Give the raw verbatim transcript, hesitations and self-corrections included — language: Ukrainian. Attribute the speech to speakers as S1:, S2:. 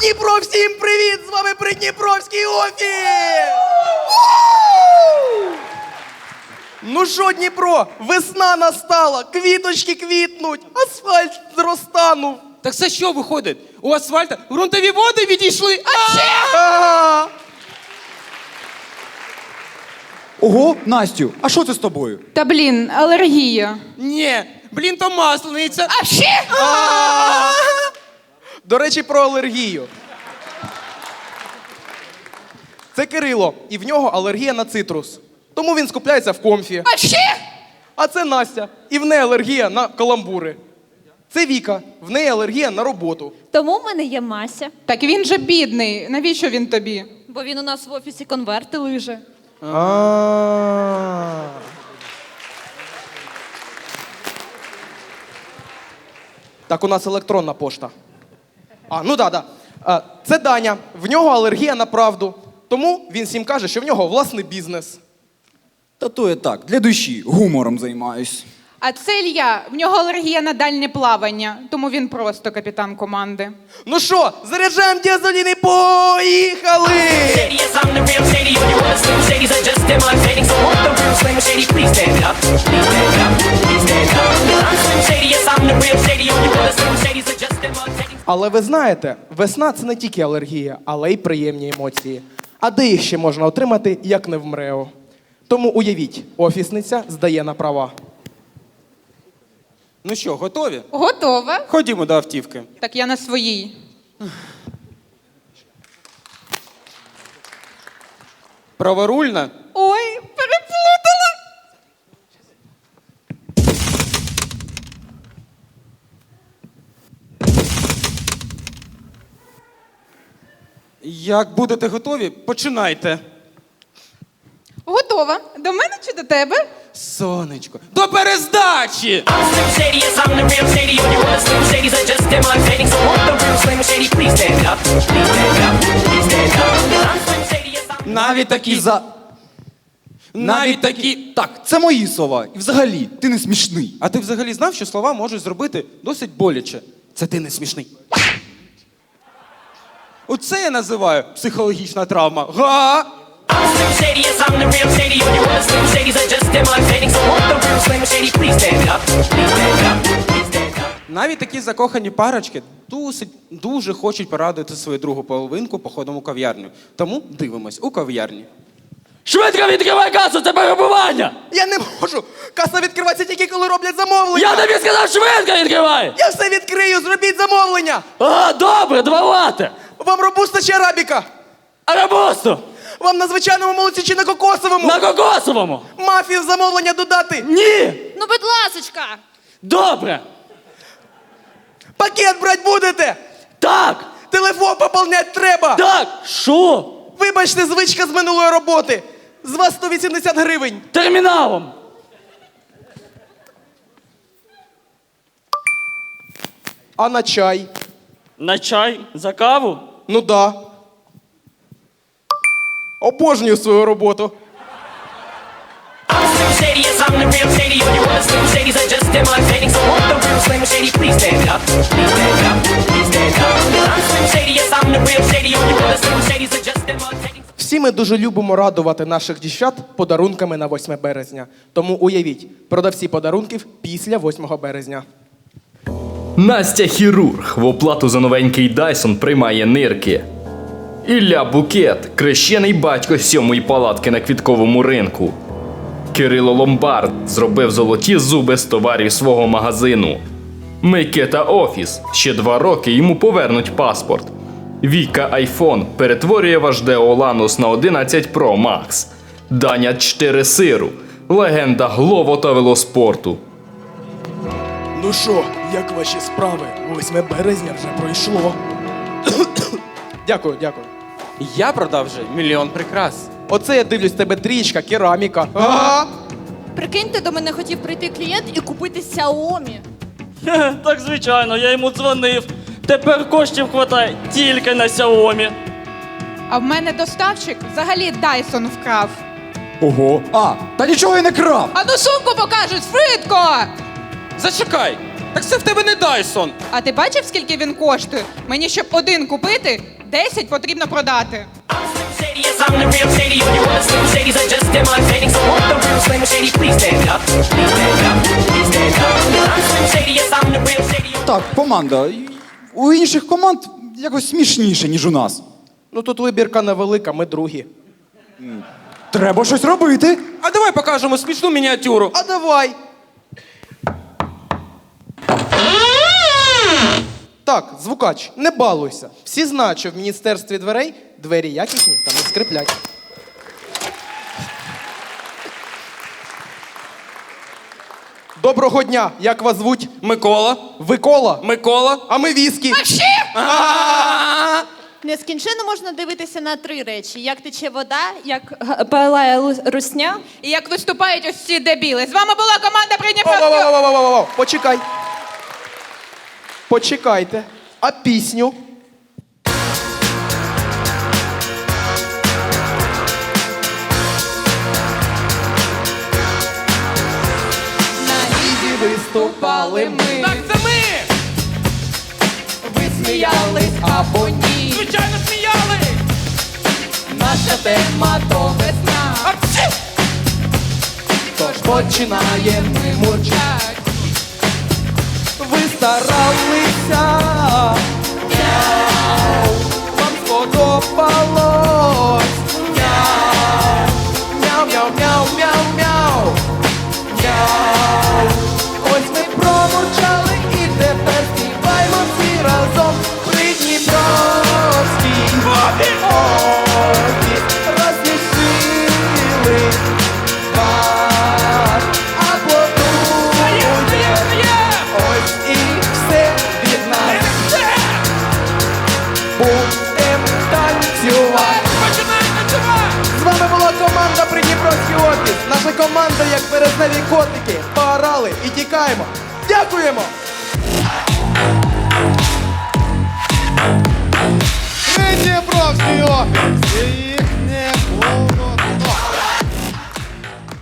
S1: Дніпро, всім привіт! З вами Придніпровський офіс! Ну що, Дніпро, весна настала, квіточки квітнуть, асфальт зростанув.
S2: Так це що виходить? У асфальта ґрунтові води відійшли? А ще?
S1: Ага.
S3: Ого, Настю, а що це з тобою?
S4: Та блін, алергія.
S2: Ні, блін, то маслениця.
S4: А ще?
S1: До речі, про алергію. Це Кирило, і в нього алергія на цитрус. Тому він скупляється в комфі.
S4: А ще?
S1: А це Настя, і в неї алергія на каламбури. Це Віка, в неї алергія на роботу.
S5: Тому в мене є Мася,
S4: Так він же бідний. Навіщо він тобі?
S5: бо він у нас в офісі конверти лиже.
S1: А. Так, у нас електронна пошта. А, ну да, да. А, це Даня. В нього алергія на правду. Тому він всім каже, що в нього власний бізнес.
S3: Та то я так, для душі, гумором займаюсь.
S4: А це Ілля, в нього алергія на дальнє плавання, тому він просто капітан команди.
S1: Ну що, заряджаємо дізелін і поїхали!
S6: Shady, yes, I'm the real shady. All you other slim shadies are just imitating. So won't the real slim shady please stand up? Please stand up. Please stand up. I'm slim shady, yes, I'm the real shady. All you other slim shadies are just imitating.
S1: Але ви знаєте, весна – це не тільки алергія, але й приємні емоції. А де їх ще можна отримати, як не в МРЕО? Тому уявіть, офісниця здає на права.
S2: Ну що, готові?
S4: Готова?
S2: Ходімо до автівки.
S4: Так я на своїй.
S2: Праворульна?
S4: Ой, переплутала.
S2: Як будете готові, починайте.
S4: Готова. До мене чи до тебе?
S2: Сонечко. До перездачі!
S6: I'm slim shady, yes, I'm the real shady. All you other slim shadies are just imitating. So won't the real slim shady please stand up? Please stand up. Please stand up. I'm slim shady, yes, I'm
S2: Навіть такі...
S3: За...
S2: Навіть такі...
S3: Так, це мої слова. І взагалі, ти не смішний.
S2: А ти взагалі знав, що слова можуть зробити досить боляче? Це ти не смішний. Оце я називаю психологічна травма. Га!
S6: I'm slim shady, yes, I'm the real shady. All you other slim shadies are just imitating. So won't the real slim shady please stand up? Please stand up. Please stand up.
S2: Навіть такі закохані парочки досить, дуже хочуть порадувати свою другу половинку походом у кав'ярню. Тому дивимось у кав'ярні.
S7: Швидко відкривай касу, це перебування!
S1: Я не можу! Каса відкривається тільки, коли роблять замовлення!
S7: Я тобі сказав, швидко відкривай!
S1: Я все відкрию, зробіть замовлення!
S7: Ага, добре, два лати!
S1: Вам робуста чи арабіка?
S7: Арабусту!
S1: Вам на звичайному молоці чи на кокосовому?
S7: На кокосовому!
S1: Мафію в замовлення додати?
S7: Ні!
S5: Ну, будь ласочка!
S7: Добре!
S1: Пакет брать будете?
S7: Так!
S1: Телефон поповнять треба!
S7: Так! Що?
S1: Вибачте, звичка з минулої роботи! З вас сто вісімдесят гривень!
S7: Терміналом!
S1: А на чай?
S7: На чай? За каву?
S1: Ну да. Обожнюю свою роботу.
S6: I'm slim shady, yes, I'm the real shady. All you other slim shadies are just imitating. So won't the real slim shady please stand up? Please stand up. Please stand up. I'm slim shady, yes, I'm the real shady. All you other slim shadies are just imitating.
S1: Всі ми дуже любимо радувати наших дівчат подарунками на восьме березня. Тому уявіть, продавці подарунків після восьмого березня.
S8: Настя хірург в оплату за новенький Дайсон приймає нирки. Ілля Букет, крещений батько сьомої палатки на квітковому ринку. Кирило Ломбард зробив золоті зуби з товарів свого магазину. Микита Офіс, ще два роки йому повернуть паспорт. Віка Айфон перетворює ваш Део Ланус на одинадцять Про Макс. Даня чотири сиру, легенда глово та велоспорту.
S1: Ну що, як ваші справи? восьме березня вже пройшло. Дякую, дякую.
S2: Я продав вже мільйон прикрас.
S1: Оце я дивлюсь, тебе трічка, кераміка. Ага.
S5: Прикиньте, до мене хотів прийти клієнт і купити Xiaomi.
S7: Хе, так звичайно, я йому дзвонив. Тепер коштів хватає тільки на Xiaomi.
S4: А в мене доставщик взагалі Дайсон вкрав.
S3: Ого. А, та нічого я не крав.
S4: А ну сумку покажуть, швидко!
S2: Зачекай! Так це в тебе не Дайсон.
S4: А ти бачив, скільки він коштує? Мені, щоб один купити, десять потрібно продати.
S6: I'm Slim Shady, yes, I'm the real Shady. All you other Slim Shadys are just imitating. So won't the real Slim Shady please stand up? Please stand up. Please stand up. I'm Slim Shady, yes, I'm the real Shady.
S3: Так, команда. У інших команд якось смішніше, ніж у нас.
S1: Ну тут вибірка невелика, ми другі.
S3: Треба щось робити.
S2: А давай покажемо смішну мініатюру.
S1: А давай. Так, звукач, не балуйся. Всі знають, що в міністерстві дверей двері якісні та не скриплять. Доброго дня! Як вас звуть?
S2: Микола.
S1: Ви Кола?
S2: Микола.
S1: А ми віскі.
S5: Нескінченно можна дивитися на три речі: як тече вода, як г- палає лу- русня.
S4: І як виступають ось ці дебіли. З вами була команда Придніпровського.
S1: Во-во-во-во-во-во-во. Почекай. Почекайте. А пісню?
S4: На лізі виступали ми.
S2: Так це ми!
S4: Ви сміялись або ні.
S2: Звичайно, сміяли!
S4: Наша тема то весна.
S2: Апчі!
S1: Тож починаємо ми мурчать. Ви старалися. Мяу. Вам сподобалось. Мяу. Мяу, мяу, мяу, мяу, мяу. Мяу. Ось ми промурчали і тепер співаємо всі разом. Придніпровський. Офіс розсмішили вас. Аплодуйте. Ось і все від нас. Будем танцювати. З вами була команда Придніпровський офіс. Наша команда, як березневі котики, поорали і тікаємо. Дякуємо!